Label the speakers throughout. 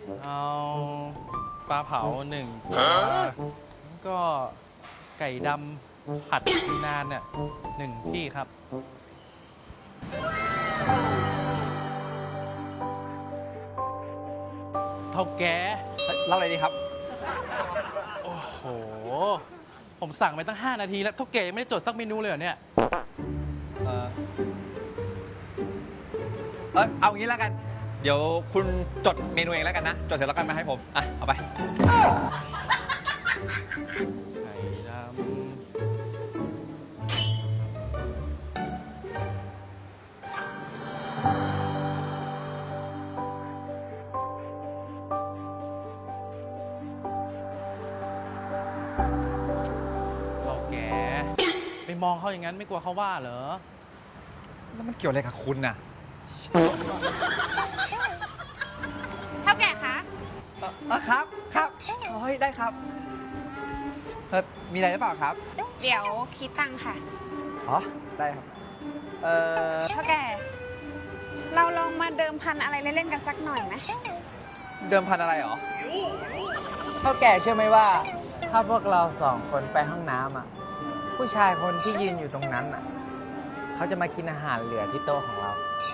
Speaker 1: เอาปลาเผา1 ตัวแล้วก็ไก่ดำผัดยูนานเนี่ย1 ที่ครับเท่าแก
Speaker 2: เล่าอะไรดีครับ
Speaker 1: โอ้โห ผมสั่งไปตั้ง5 นาทีแล้วเท่าแกยังไม่ได้จดสักเมนูเลยเหรอเนี่ย
Speaker 2: เอางี้แล้วกัน เดี๋ยวคุณจดเมนูเองแล้วกันนะ จดเสร็จแล้วกันมาให้ผม อ่ะ เอาไป
Speaker 1: ไก่ดำเท่าแกไปมองเขาอย่างนั้นไม่กลัวเขาว่าเหรอ
Speaker 2: แล้วมันเกี่ยวอะไรกับคุณน่ะ
Speaker 3: เท่าแก่คะ
Speaker 2: ครับ ครับเฮ้ยได้ครับมีอะไรหรือเปล่าครับ
Speaker 3: เดี๋ยวคิดตังค่ะ
Speaker 2: อ๋อ ได้ครับ
Speaker 3: เท่าแก่ เราลองมาเดิมพันอะไรเล่นๆกันสักหน่อยไหม
Speaker 2: เดิมพันอะไรหรอ
Speaker 4: เท่าแก่เชื่อไหมว่า ถ้าพวกเรา2 คนไปห้องน้ำอ่ะ ผู้ชายคนที่ยืนอยู่ตรงนั้นอ่ะ เขาจะมากินอาหารเหลือที่โต๊ะของเรา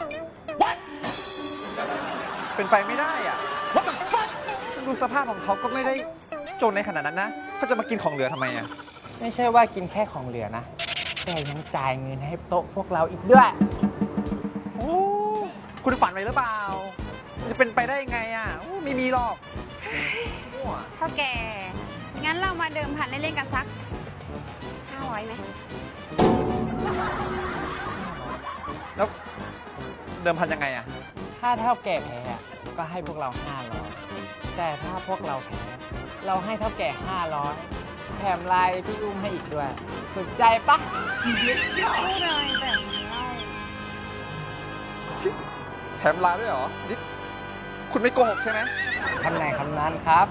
Speaker 2: เป็นไปไม่ได้อ่ะ ดูสภาพของเขาก็ไม่ได้จนในขนาดนั้นนะ เขาจะมากินของเหลือทำไมอ่ะ
Speaker 4: ไม่ใช่ว่ากินแค่ของเหลือนะ แต่ยังจ่ายเงินให้โต๊ะพวกเราอีกด้วย
Speaker 2: โอ้ คุณฝันไปหรือเปล่า จะเป็นไปได้ยังไงอ่ะโอ้ไม่มีหรอกมั่ว
Speaker 3: เท่าแก่ งั้นเรามาเดิมพันเล่นๆกันสัก500ไหม
Speaker 2: แล้วเดิมพันยังไงอ่ะ
Speaker 4: ถ้าเท่าแก่แพ้อะก็ให้พวกเรา500แต่ถ้าพวกเราแพ้เราให้เท่าแก่500แถมไลน์พี่อุ้มให้อีกด้วย สนใจปะ
Speaker 3: พูดเลยแบบนี้เล่า
Speaker 2: แถมลาด้วยเหรอ นี่คุณไม่โกหกใช่ไหม
Speaker 4: คำไหนคำนั้นครับ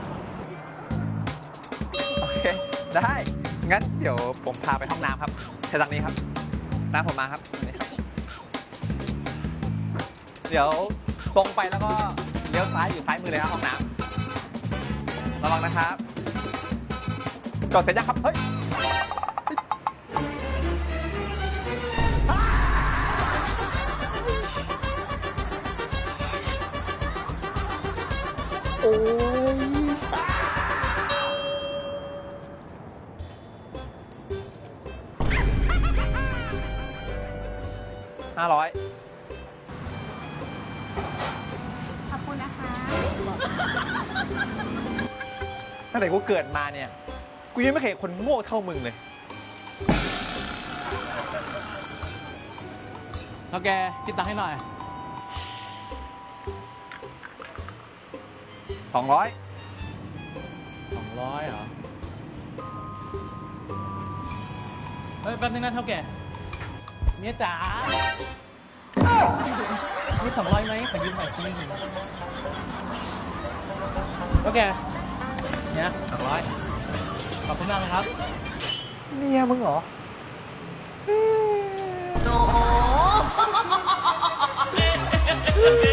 Speaker 2: โอเค ได้ งั้นเดี๋ยวผมพาไปห้องน้ำครับเชิญทางนี้ครับตามผมมาครับนี่ครับ เดี๋ยวตรงไปแล้วก็เลี้ยวซ้ายอยู่ซ้ายมือเลยครับห้องน้ำระวังนะครับจอดเสร็จยังครับ เฮ้ย โอ้ย500
Speaker 3: ขอบคุณนะคะ
Speaker 2: ตั้งแต่กูเกิดมาเนี่ย กูยังไม่เคยเห็นคนโง่เท่ามึงเลย
Speaker 1: เท่าแกคิดตังค์ให้หน่อย
Speaker 2: 200
Speaker 1: 200เหรอ เฮ้ยแป๊บนึงนะเท่าแก่เมียจ๋ามี200ไหมขอยืมหน่อยสิเท่าแก่เนี่ย200ขอบคุณมากเลยครับ
Speaker 2: เมียมึงเหรอ
Speaker 5: โอ้